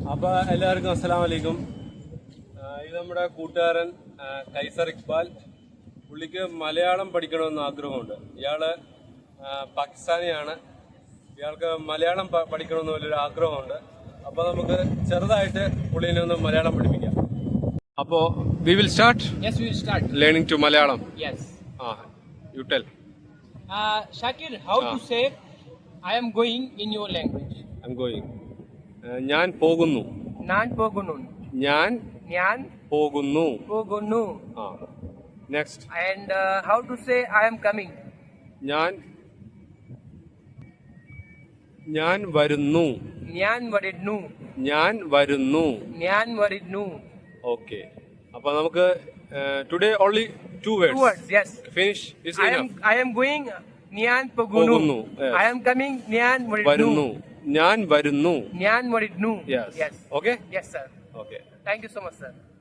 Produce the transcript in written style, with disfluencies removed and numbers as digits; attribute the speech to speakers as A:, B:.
A: അപ്പൊ എല്ലാവർക്കും അസ്സലാമു അലൈക്കും. ഇത് നമ്മുടെ കൂട്ടുകാരൻ കൈസർ ഇക്ബാൽ. പുള്ളിക്ക് മലയാളം പഠിക്കണമെന്ന് ആഗ്രഹമുണ്ട്. ഇയാള് പാകിസ്ഥാനിയാണ്. ഇയാൾക്ക് മലയാളം പഠിക്കണമെന്ന് വലിയൊരു ആഗ്രഹമുണ്ട്. അപ്പൊ നമുക്ക് ചെറുതായിട്ട് പുള്ളിനെ ഒന്ന് മലയാളം പഠിപ്പിക്കാം. അപ്പോ we will start.
B: Yes, we will start
A: learning to Malayalam.
B: Yes.
A: You tell.
B: Shakir, how to say I am going in your language?
A: I'm going. ഞാൻ പോകുന്നു.
B: Nan pogunu.
A: ഞാൻ പോകുന്നു.
B: Pogunu.
A: Next.
B: And how to say I am coming?
A: ഞാൻ വരുന്നു.
B: Nyan varidnu.
A: Okay. അപ്പൊ നമുക്ക് today only two words.
B: Yes.
A: Finish is enough.
B: I am going. Nyan pogunu.
A: Yes.
B: I am coming. Nyan
A: varidnu. ഞാൻ വരുന്നു.
B: Nyan varidnu.
A: Yes. Okay.
B: Yes, sir.
A: Okay.
B: Thank you so much, sir.